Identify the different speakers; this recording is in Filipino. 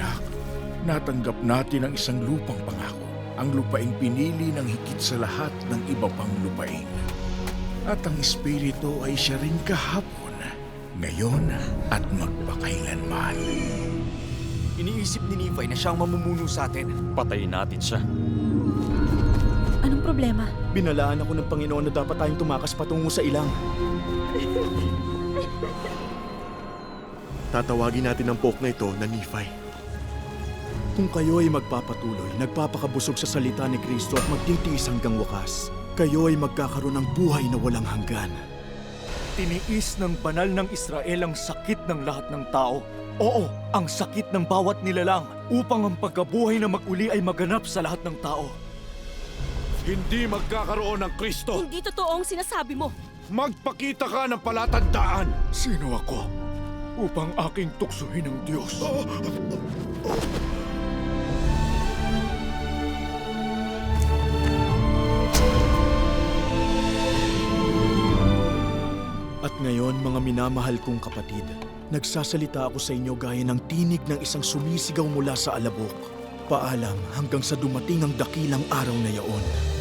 Speaker 1: anak, natanggap natin ang isang lupang pangako, ang lupaing pinili ng higit sa lahat ng iba pang lupain. At ang Espiritu ay siya rin kahapon, ngayon at magpakailanman.
Speaker 2: Iniisip ni Nephi na siyang mamumuno sa atin.
Speaker 3: Patayin natin siya.
Speaker 4: Anong problema?
Speaker 2: Binalaan ako ng Panginoon na dapat tayong tumakas patungo sa ilang.
Speaker 5: Tatawagin natin ang Pope na ito na Nephi.
Speaker 2: Kung kayo ay magpapatuloy, nagpapakabusog sa salita ni Kristo at magtitiis hanggang wakas, kayo ay magkakaroon ng buhay na walang hanggan. Tiniis ng banal ng Israel ang sakit ng lahat ng tao. Oo, ang sakit ng bawat nilalang upang ang pagkabuhay na mag-uli ay maganap sa lahat ng tao.
Speaker 1: Hindi magkakaroon ng Kristo.
Speaker 4: Hindi totoo ang sinasabi mo.
Speaker 1: Magpakita ka ng palatandaan.
Speaker 2: Sino ako upang aking tuksuhin ng Diyos? At ngayon, mga minamahal kong kapatid, nagsasalita ako sa inyo gaya ng tinig ng isang sumisigaw mula sa alabok. Paalam hanggang sa dumating ang dakilang araw na yaon.